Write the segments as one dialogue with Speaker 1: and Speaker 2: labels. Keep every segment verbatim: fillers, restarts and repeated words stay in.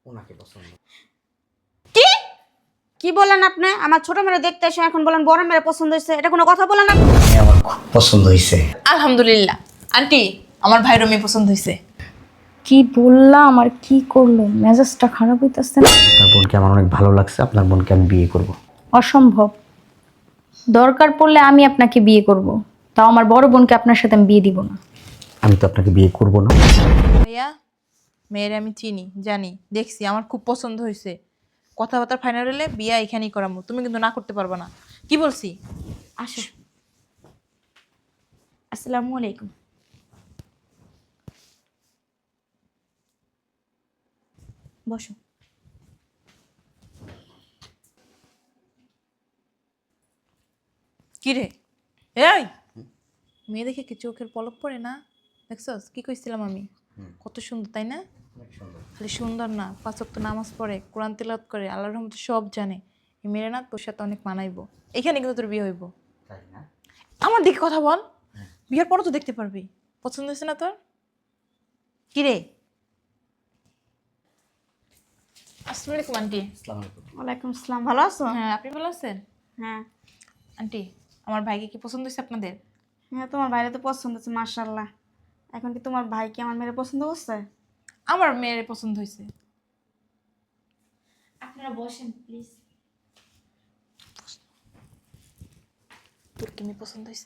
Speaker 1: ওনাকে পছন্দ।
Speaker 2: কি কি বলেন আপনি? আমার ছোট মেয়ে দেখতে এসে এখন বলেন বড় মেয়ে পছন্দ হয়েছে, এটা কোনো কথা বলেন আপনি?
Speaker 1: মেয়ে আমার খুব পছন্দ হয়েছে।
Speaker 3: আলহামদুলিল্লাহ আন্টি, আমার ভাইয়ের মেয়ে পছন্দ হয়েছে।
Speaker 4: কি বললাম আর কি করলো, মেজাজটা খারাপ হইতেছে না?
Speaker 1: আপনার বোনকে আমার অনেক ভালো লাগছে, আপনার বোনকে আমি বিয়ে করব।
Speaker 4: অসম্ভব। দরকার পড়লে আমি আপনাকে বিয়ে করব, তাও আমার বড় বোনকে আপনার সাথে আমি বিয়ে দিব না।
Speaker 1: আমি তো আপনাকে বিয়ে করব না।
Speaker 3: ভাইয়া, মেয়ের আমি চিনি, জানি, দেখছি, আমার খুব পছন্দ হয়েছে। কথাবার্তা ফাইনাল হলে বিয়া এখানেই করাবো, তুমি কিন্তু না করতে পারবে না। কি বলছি?
Speaker 2: আসো। আসসালামু আলাইকুম। বসো।
Speaker 3: কি রে? এই মেয়ে দেখে কি চোখের পলক পড়ে না? দেখছস কি কইছিলাম আমি? কত সুন্দর, তাই না? খালি সুন্দর না, পাঁচ ওয়াক্ত নামাজ পড়ে, কোরআন তেলাওয়াত করে, আল্লাহর রহমতে সব জানে। এই মেয়েরা না তোর সাথে অনেক মানাইবো। এখানে কিন্তু তোর বিয়ে হইব।
Speaker 1: তাই না?
Speaker 3: আমার দিকে কথা বল, বিয়ের পরও তো দেখতে পারবি। পছন্দ হয়েছে না তোর? কি রে? আসসালামু আলাইকুম আন্টি।
Speaker 1: আসসালামু আলাইকুম।
Speaker 2: ওয়ালাইকুম আসসালাম। ভালো আছো?
Speaker 3: হ্যাঁ, আপনি ভালো আছেন?
Speaker 2: হ্যাঁ
Speaker 3: আন্টি, আমার ভাইকে কি পছন্দ হয়েছে আপনাদের?
Speaker 2: হ্যাঁ, তোমার বাইরে তো পছন্দ হচ্ছে মাশাআল্লাহ। এখন কি তোমার ভাই কি আমার মেয়ে পছন্দ করছে?
Speaker 3: আমার মেয়ের পছন্দ হয়েছে।
Speaker 2: আপনারা বসেন প্লিজ।
Speaker 3: তোর কি মেয়ে পছন্দ হয়েছে?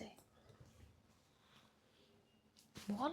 Speaker 3: বল।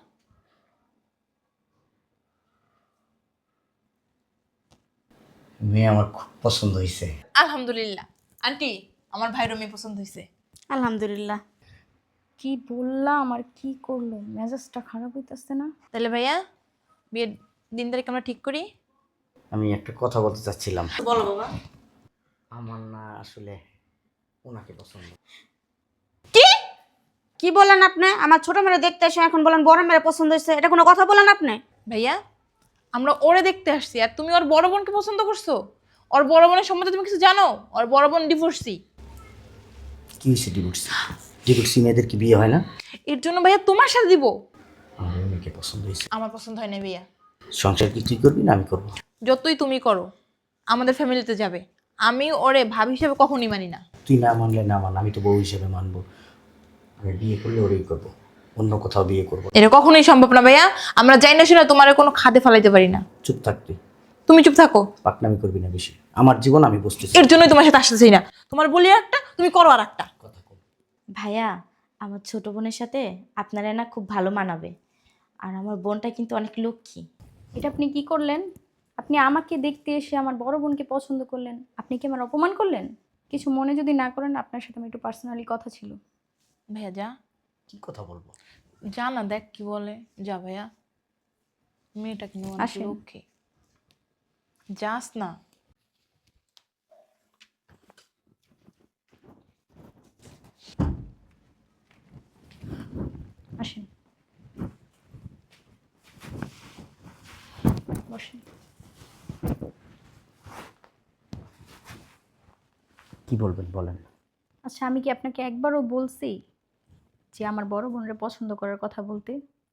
Speaker 1: মেয়ে আমার খুব পছন্দ হয়েছে।
Speaker 3: আলহামদুলিল্লাহ আন্টি, আমার ভাইয়ের মেয়ে পছন্দ হয়েছে।
Speaker 2: আলহামদুলিল্লাহ।
Speaker 4: কি বললাম আর কি করলো, মেজাজটা খারাপ হইতেছে না?
Speaker 3: তাহলে ভাইয়া, বিয়ের দিন তারিখ আমরা ঠিক করি।
Speaker 1: আমি একটা কথা বলতে চাচ্ছিলাম।
Speaker 2: বলো বাবা।
Speaker 1: আমার না আসলে ওনাকে পছন্দ।
Speaker 2: কি কি বলেন আপনি? আমার ছোট মেয়ে দেখতে এসে এখন বলেন বড় মেয়ে পছন্দ হয়েছে, এটা কোনো কথা বলেন আপনি?
Speaker 3: ভাইয়া, আমরা ওরে দেখতে আসছি আর তুমি ওর বড় বোনকে পছন্দ করছো? ওর বড় বোনের সম্বন্ধে তুমি কিছু জানো? ওর বড় বোন ডিভোর্সি।
Speaker 1: কি হয়েছে? ডিভোর্সি? ডিভোর্সি মেয়েদের কি বিয়ে হয় না?
Speaker 3: এর জন্য ভাইয়া তোমার সাথে দিব।
Speaker 1: আমার মেয়েকে পছন্দ হয়েছে।
Speaker 3: আমার পছন্দ হয় না ভাইয়া।
Speaker 1: সংসার কি তুই করবি না আমি করবো?
Speaker 3: যতই তুমি করো, আমাদের ফ্যামিলিতে যাবে। আমি ওরে ভাবি হিসেবে কখনই মানি না।
Speaker 1: তুই না মানলে না মান, আমি তো বউ হিসেবে মানবো। আমি বিয়ে করলে ওরেই করবো, অন্য কোথাও বিয়ে করবো।
Speaker 3: এটা কখনোই সম্ভব না ভাইয়া। আমরা যাই না শুনে তোমার কোনো খাদে ফেলাইতে পারি না।
Speaker 1: চুপ থাক তুই,
Speaker 3: তুমি চুপ থাকো।
Speaker 1: পাকনামি করবি না বেশি। আমার জীবন আমি বুঝতেছি।
Speaker 3: এর জন্যই তোমার সাথে আসতেছি না। তোমার বলি একটা, তুমি করো আর একটা।
Speaker 1: কথা কম।
Speaker 5: ভাইয়া, আমার ছোট বোনের সাথে আপনারা না খুব ভালো মানাবে। আর আমার বোনটা কিন্তু অনেক লক্ষ্মী।
Speaker 4: এটা আপনি কি করলেন? আপনি আমাকে দেখতে এসে আমার বড় বোনকে পছন্দ করলেন, আপনি কি আমার অপমান করলেন? কিছু মনে যদি না করেন, আপনার সাথে আমার একটু পার্সোনালি কথা ছিল।
Speaker 3: ভাইয়া যা,
Speaker 1: কি কথা বলবো?
Speaker 3: যা না, দেখ কি বলে। যা ভাইয়া, মেয়েটা কিন্তু অনেক
Speaker 4: আসেন।
Speaker 3: লক্ষ্মী। যাস না।
Speaker 4: আসেন, বসেন।
Speaker 1: কি বলবেন বলেন।
Speaker 4: আচ্ছা, আমি কি আপনাকে একবারও বলছি যে আমার বড় বোনের পছন্দ করার কথা বলতে?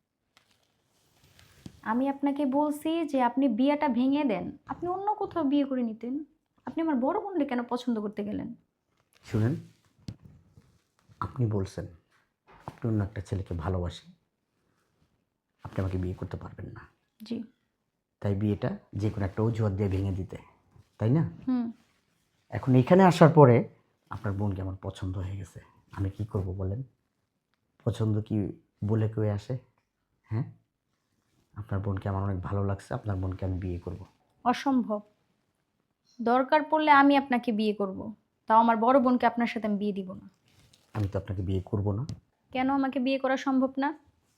Speaker 4: আমি আপনাকে বলছি যে আপনি বিয়েটা ভেঙে দেন, আপনি অন্য কোথাও বিয়ে করে নিতেন। আপনি আমার বড় বোনকে কেন পছন্দ করতে গেলেন?
Speaker 1: শুনেন, আপনি বলছেন আপনি অন্য একটা ছেলেকে ভালোবাসেন, আপনি আমাকে বিয়ে করতে পারবেন না,
Speaker 4: জি।
Speaker 1: তাই বিয়েটা যে কোনো একটা অজুহাত দিয়ে ভেঙে দিতে, তাই না?
Speaker 4: হুম।
Speaker 1: এখন এখানে আসার পরে আপনার বোনকে আমার পছন্দ হয়ে গেছে, আমি কি করব বলেন? পছন্দ কি বলে কেউ আসে? হ্যাঁ, আপনার বোনকে আমার অনেক ভালো লাগছে, আপনার বোনকে আমি বিয়ে করব।
Speaker 4: অসম্ভব। দরকার পড়লে আমি আপনাকে বিয়ে করব, তাও আমার বড় বোনকে আপনার সাথে আমি বিয়ে দিব না।
Speaker 1: আমি তো আপনাকে বিয়ে করব না।
Speaker 4: কেন আমাকে বিয়ে করা সম্ভব না?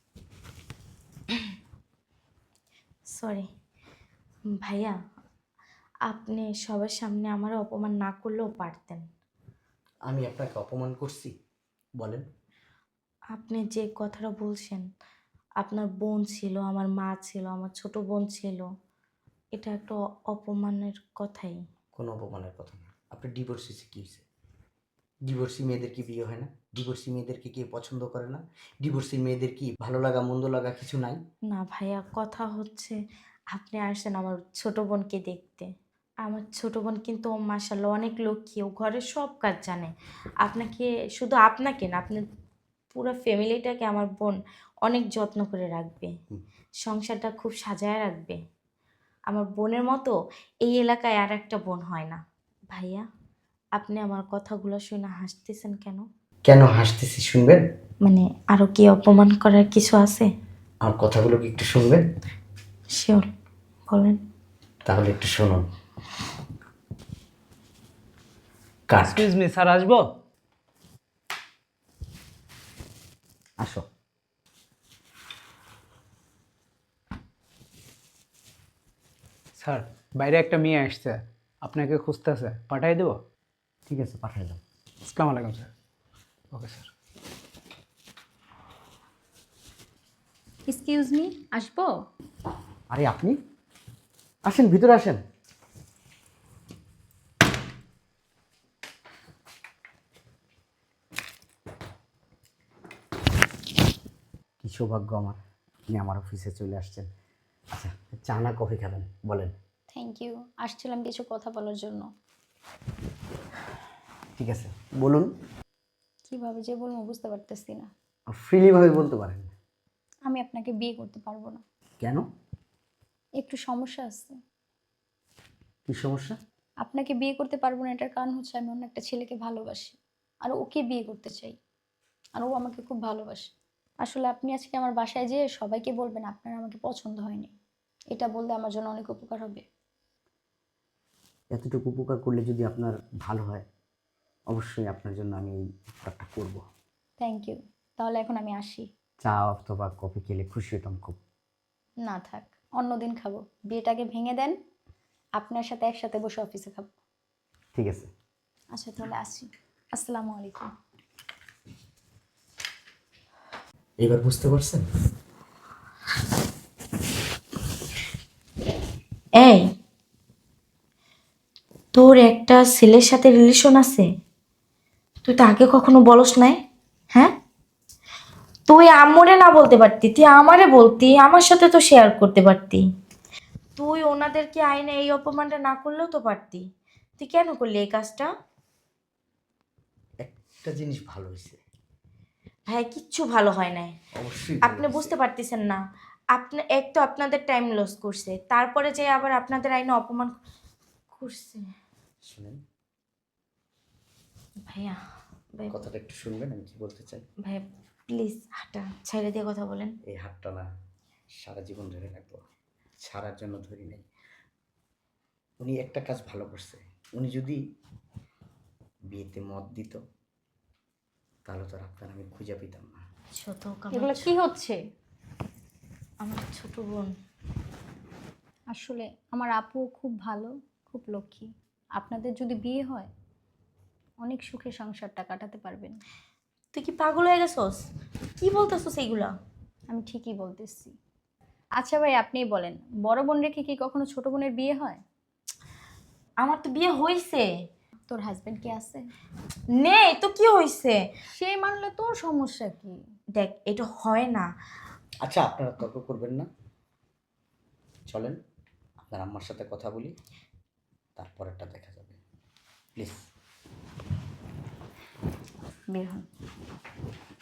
Speaker 5: সরি ভাইয়া, আপনি সবার সামনে আমার অপমান না করলেও পারতেন।
Speaker 1: আমি আপনাকে অপমান করছি বলেন?
Speaker 5: আপনি যে কথাটা বলছেন, আপনার বোন ছিল, আমার মা ছিল, আমার ছোট বোন ছিল, এটা একটা অ- অপমানের কথাই।
Speaker 1: কোনো অপমানের কথা না। আপনি ডিভোর্স হয়েছে কী হয়েছে? ডিভোর্সি মেয়েদের কি বিয়ে হয় না? ডিভোর্সি মেয়েদেরকে কেউ পছন্দ করে না? ডিভোর্সি মেয়েদের কি ভালো লাগা মন্দ লাগা কিছু নাই?
Speaker 5: না ভাইয়া, কথা হচ্ছে আপনি আসেন আমার ছোট বোনকে দেখতে। আমার ছোট বোন কিন্তু ও মাশাআল্লাহ অনেক লক্ষ্মী, ও ঘরের সব কাজ জানে। আপনাকে, শুধু আপনাকে না, আপনার পুরো ফ্যামিলিটাকে আমার বোন অনেক যত্ন করে রাখবে, সংসারটা খুব সাজায় রাখবে। আমার বোনের মতো এই এলাকায় আর একটা বোন হয় না। ভাইয়া, আপনি আমার কথাগুলো শুনে হাসতেছেন কেন?
Speaker 1: কেন হাসতেছি শুনবেন?
Speaker 5: মানে আরও কি অপমান করার কিছু আছে?
Speaker 1: আমার কথাগুলো কি একটু শুনবেন?
Speaker 5: শিওর, বলেন।
Speaker 1: তাহলে একটু শুনুন। কাট।
Speaker 6: এক্সকিউজ মি স্যার, আসবো?
Speaker 1: আসো।
Speaker 6: স্যার, বাইরে একটা মেয়ে আসছে, আপনাকে খুঁজতেছে, পাঠাই দেবো?
Speaker 1: ঠিক আছে, পাঠাই দাও।
Speaker 6: আসসালামু আলাইকুম sir. Okay sir.
Speaker 4: Excuse me, আসবো?
Speaker 1: আরে আপনি আসেন, ভিতরে আসেন। কি সৌভাগ্য আমার, আপনি আমার অফিসে চলে আসছেন। আচ্ছা, চা না কফি খাবেন বলেন?
Speaker 4: থ্যাংক ইউ, আসছিলাম কিছু কথা বলার জন্য।
Speaker 1: ঠিক আছে, বলুন।
Speaker 4: কিভাবে যে বলবো বুঝতে পারতেছি না।
Speaker 1: ফ্রিলিভাবে বলতে পারেন।
Speaker 4: আমি আপনাকে বিয়ে করতে পারবো না।
Speaker 1: কেন?
Speaker 4: একটু সমস্যা আছে।
Speaker 1: কি সমস্যা?
Speaker 4: আপনাকে বিয়ে করতে পারবো না এটার কারণ হচ্ছে আমি অন্য একটা ছেলেকে ভালোবাসি, আর ওকে বিয়ে করতে চাই, আর ও আমাকে খুব ভালোবাসে। আসলে আপনি আজকে আমার বাসায় যেয়ে সবাইকে বলবেন আপনার আমাকে পছন্দ হয়নি, এটা বললে আমার জন্য অনেক উপকার হবে।
Speaker 1: এতটুকু উপকার করলে যদি আপনার ভালো হয়, অবশ্যই আপনার জন্য আমি এই উপকারটা করবো।
Speaker 4: থ্যাংক ইউ, তাহলে এখন আমি আসি।
Speaker 1: চা অথবা কফি খেলে খুশি হতাম খুব।
Speaker 4: না থাক, অন্যদিন খাবো, বিয়েটাকে ভেঙে দেন, আপনার সাথে একসাথে বসে অফিসে খাবো।
Speaker 1: ঠিক আছে।
Speaker 4: আচ্ছা তাহলে আসি, আসসালামু আলাইকুম।
Speaker 1: এবার বুঝতে পারছেন?
Speaker 5: এই, তোর একটা ছেলের সাথে রিলেশন আছে, তুই তো আগে কখনো বলস নাই। হ্যাঁ, তুই আম্মুরে না বলতে পারতি, তুই আমারে বলতি, আমার সাথে তো শেয়ার করতে পারতি। তুই ওনাদেরকে আইনে এই অপমানটা না করলেও তো পারতি। তুই কেন করলি এই কাজটা?
Speaker 1: একটা জিনিস ভালো হয়েছে।
Speaker 5: ভাই, কিচ্ছু ভালো হয় নাই।
Speaker 1: অবশ্যই
Speaker 5: আপনি বুঝতে পারতেছেন না। আপনি এক তো আপনাদের টাইম লস করছে, তারপরে যে আবার আপনাদের আইনে অপমান করছে।
Speaker 1: শুনেন,
Speaker 5: ভাইয়া, ভাই,
Speaker 1: কথাটা একটু শুনবেন আমি কি বলতে চাই।
Speaker 5: ভাই প্লিজ হাঁটা ছেড়ে দিয়ে কথা বলেন।
Speaker 1: এই হাতটা না সারা জীবন ধরে রাখবো, ছাড়ার জন্য ধরি নাই। উনি একটা কাজ ভালো করছে, উনি যদি বিয়েতে মত দিত তাহলে তো আর আপনার আমি খুঁজে পেতাম না।
Speaker 5: ছোট
Speaker 4: এগুলো কি হচ্ছে?
Speaker 5: আমার ছোট বোন।
Speaker 4: আসলে আমার আপু খুব ভালো, খুব লক্ষ্মী। আপনাদের যদি বিয়ে হয় অনেক সুখে সংসারটা কাটাতে পারবেন।
Speaker 5: তুই কি পাগল হয়ে গেছস? কি বলতেছস এইগুলা?
Speaker 4: আমি ঠিকই বলতেছি। আচ্ছা ভাই আপনিই বলেন, বড় বোন রেখে কি কখনো ছোট বোনের বিয়ে হয়?
Speaker 5: আমার তো বিয়ে হইছে।
Speaker 4: তোর হাজবেন্ড কি আছে?
Speaker 5: নেই তো কি হইছে?
Speaker 4: সে মানলে তোর সমস্যা কি?
Speaker 5: দেখ, এটা হয় না।
Speaker 1: আচ্ছা, আপনারা তর্ক করবেন না, চলেন আপনার আম্মার সাথে কথা বলি, তারপরেরটা দেখা যাবে। প্লিজ
Speaker 4: বের হন।